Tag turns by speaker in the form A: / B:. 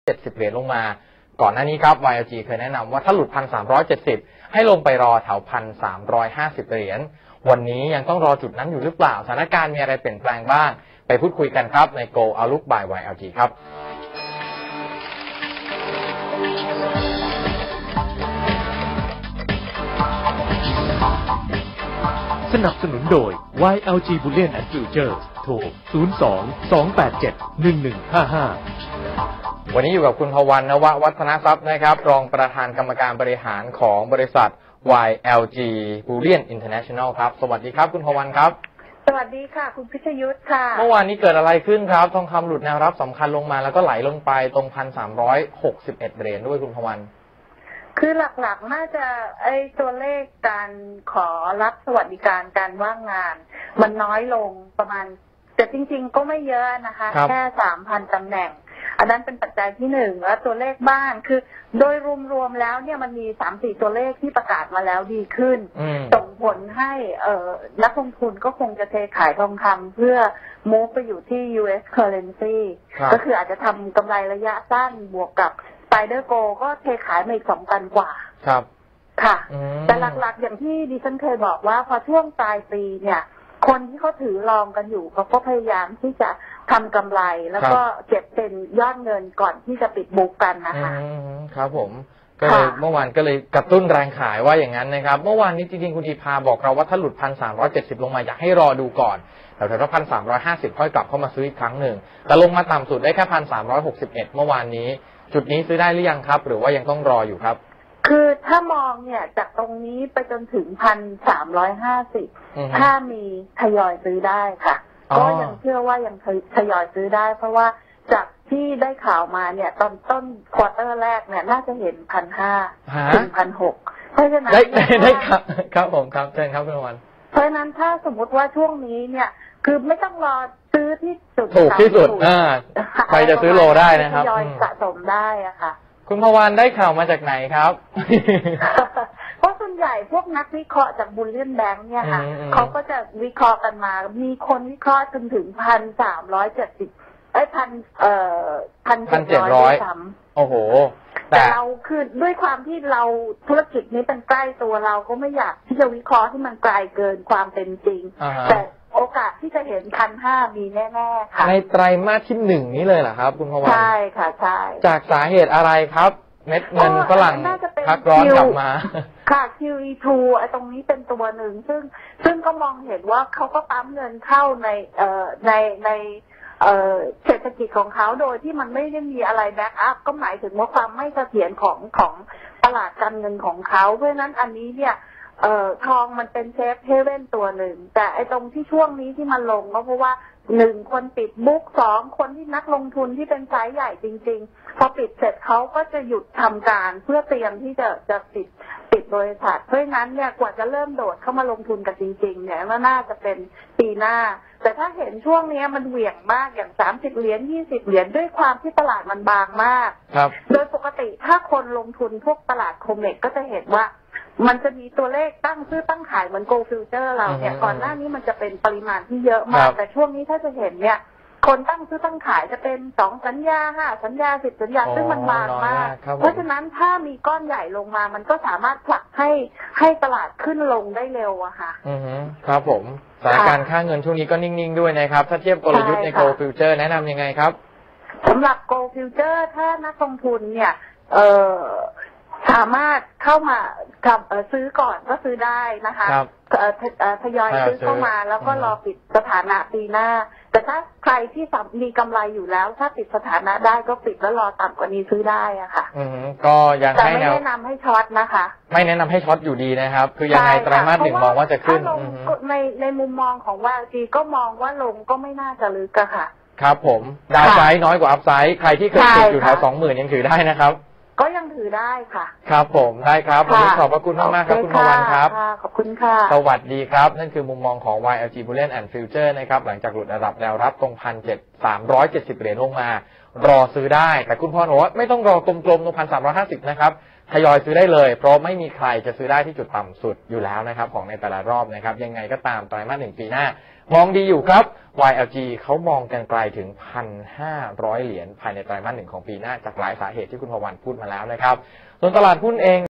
A: 1,370 เหรียญลงมาก่อนหน้านี้ครับ YLG เคยแนะนำว่าถ้าหลุด 1,370 ให้ลงไปรอแถว 1,350 เหรียญวันนี้ยังต้องรอจุดนั้นอยู่หรือเปล่าสถานการณ์มีอะไรเปลี่ยนแปลงบ้างไปพูดคุยกันครับใน Go Outlook by YLG ครับ
B: สนับสนุนโดย YLG Bullion and Futures โทร 02-287-1155
A: วันนี้อยู่กับคุณภวรรณ นววัฒนทรัพย์นะครับรองประธานกรรมการบริหารของบริษัท YLG Bullion International ครับสวัสดีครับคุณภวรรณครับ
C: สวัสดีค่ะคุณพิชยุทธค่ะ
A: เมื่อวานนี้เกิดอะไรขึ้นครับทองคำหลุดแนวรับสำคัญลงมาแล้วก็ไหลลงไปตรง 1,361 เหรียญด้วยคุณภวรรณ
C: คือหลักๆน่าจะตัวเลขการขอรับสวัสดิการการว่างงานมันน้อยลงประมาณแต่จริงๆก็ไม่เยอะนะคะแค่ 3,000 ตำแหน่งอันนั้นเป็นปัจจัยที่หนึ่งแล้วตัวเลขบ้านคือโดยรวมๆแล้วเนี่ยมันมี 3-4 ตัวเลขที่ประกาศมาแล้วดีขึ้นส่งผลให้นักลงทุนก็คงจะเทขายทองคำเพื่อ move ไปอยู่ที่ US currency ก็คืออาจจะทำกำไรระยะสั้นบวกกับSpider Go ก็เทขายมาอีก 2,000 กว่า
A: ครับ
C: ค่ะแต่หลักๆอย่างที่ดิฉันเคยบอกว่าพอช่วงปลายปีเนี่ยคนที่เขาถือรองกันอยู่เขาก็พยายามที่จะทำกำไรแล้วก็เก็บเป็นยอดเงินก่อนที่จะปิดบุ๊กกันนะคะ
A: ครับผมก็เลยเมื่อวานก็เลยกระตุ้นแรงขายว่าอย่างนั้นนะครับเมื่อวานนี้จริงๆคุณธีภาบอกเราว่าถ้าหลุด 1,370 ลงมาอยากให้รอดูก่อนแต่ถ้า 1,350 ค่อยกลับเข้ามาซื้ออีกครั้งหนึ่งแต่ลงมาต่ำสุดได้แค่ 1,361 เมื่อวานนี้จุดนี้ซื้อได้หรือยังครับหรือว่ายังต้องรออยู่ครับ
C: คือถ้ามองเนี่ยจากตรงนี้ไปจนถึง 1,350 ถ้ามีทยอยซื้อได้ค่ะก็ยังเชื่อว่ายังทยอยซื้อได้เพราะว่าจากที่ได้ข่าวมาเนี่ยตอนต้นควอเตอร์แรกเนี่ยน่าจะเห็น 1,500 ถึง 1,600 เพราะฉะนั้น
A: ได้ครับผมครับเชิญครับคุณวัน
C: เพราะฉะนั้นถ้าสมมุติว่าช่วงนี้เนี่ยคือไม่ต้องรอซื้อที่สุด
A: ถูกที่สุดใครจะซื้อโลได้นะครับ
C: ทยอยสะสมได้อะค่ะ
A: คุณภวรรณได้ข่าวมาจากไหนครับ
C: เพราะส่วนใหญ่พวกนักวิเคราะห์จากบุลเลียนแบงค์เนี่ยค่ะเขาก็จะวิเคราะห์กันมามีคนวิเคราะห์จนถึง 1,370 1,700 ซ้ำ
A: โอ้โห
C: แต่เราคือด้วยความที่เราธุรกิจนี้เป็นใกล้ตัวเราก็ไม่อยากที่จะวิเคราะห์ที่มันไกลเกินความเป็นจริงแต่โอกาสที่จะเห็น 1,500 มีแน่ๆค่ะ
A: ในไตรมาสที่ 1นี้เลยเหรอครับคุณภวรรณ
C: ใช่ค่ะใช่
A: จากสาเหตุอะไรครับเม็ดเงินฝรั่งพักร้อนกลับมา
C: ค่ะ QE2 ไอ้ตรงนี้เป็นตัวหนึ่งซึ่งก็มองเห็นว่าเขาก็ปั๊มเงินเข้าในเศรษฐกิจของเขาโดยที่มันไม่ได้มีอะไรแบ็กอัพก็หมายถึงว่าความไม่เสถียรของตลาดการเงินของเขาเพราะฉะนั้นอันนี้เนี่ยทองมันเป็นเซฟเฮเว่นตัวหนึ่งแต่ไอ้ตรงที่ช่วงนี้ที่มันลงก็เพราะว่า1คนปิดบุ๊ก2คนที่นักลงทุนที่เป็นไซส์ใหญ่จริงๆพอปิดเสร็จเขาก็จะหยุดทำการเพื่อเตรียมที่จะปิดบริษัทเพราะฉะนั้นเนี่ยกว่าจะเริ่มโดดเข้ามาลงทุนกันจริงๆเนี่ยน่าจะเป็นปีหน้าแต่ถ้าเห็นช่วงนี้มันเหวี่ยงมากอย่าง30 เหรียญ20 เหรียญด้วยความที่ตลาดมันบางมากโดยปกติถ้าคนลงทุนพวกตลาดโคเมกก็จะเห็นว่ามันจะมีตัวเลขตั้งซื้อตั้งขายเหมือน Go Future เราเนี่ยก่อนหน้านี้มันจะเป็นปริมาณที่เยอะมากแต่ช่วงนี้ถ้าจะเห็นเนี่ยคนตั้งซื้อตั้งขายจะเป็น2 สัญญา5 สัญญา10 สัญญาซึ่งมันบางมากเพราะฉะนั้นถ้ามีก้อนใหญ่ลงมามันก็สามารถผลักให้ตลาดขึ้นลงได้เร็วอะค่ะ
A: ครับผมสถานการณ์ค่าเงินช่วงนี้ก็นิ่งๆด้วยนะครับถ้าเทียบกลยุทธ์ใน Go Future แนะนำยังไงครับ
C: สำหรับ Go Future ถ้านักลงทุนเนี่ยสามารถเข้ามาซื้อก่อนก็ซื้อได้นะคะทยอยซื้อเข้ามาแล้วก็รอปิดสถานะปีหน้าแต่ถ้าใครที่มีกำไรอยู่แล้วถ้าปิดสถานะได้ก็ปิดแล้วรอต่ำกว่านี้ซื้อได้อะค่ะ
A: ก็ยัง
C: ไม่แนะนำให้ช็อตนะคะ
A: ไม่แนะนำให้ช็อตอยู่ดีนะครับคือยังไงไตรมาส 1มองว่าจะขึ้น
C: ในมุมมองของYLGก็มองว่าลงก็ไม่น่าจะลึกอะค่ะ
A: ครับผมดาวไซด์น้อยกว่าอัพไซด์ใครที่เคยติดอยู่แถว 20,000 ยังถือได้นะครับ
C: ก็ยังถือได้ค่ะ
A: ครับผมได้ครับวันนี้ขอบพระคุณมากๆครับคุณภวรรณครับ
C: ขอบคุณค่ะ
A: สวัสดีครับนั่นคือมุมมองของ YLG Bullion and Future นะครับหลังจากหลุดระดับแนวรับตรง 1,370 เหรียญลงมารอซื้อได้แต่คุณพรบอกว่าไม่ต้องรอกลมๆตรง1,350นะครับทยอยซื้อได้เลยเพราะไม่มีใครจะซื้อได้ที่จุดต่ำสุดอยู่แล้วนะครับของในแต่ละรอบนะครับยังไงก็ตามไตรมาส 1ปีหน้ามองดีอยู่ครับ YLG เขามองกันไกลถึง 1,500 เหรียญภายในไตรมาส 1ของปีหน้าจากหลายสาเหตุที่คุณพวันพูดมาแล้วนะครับส่วนตลาดหุ้นเอง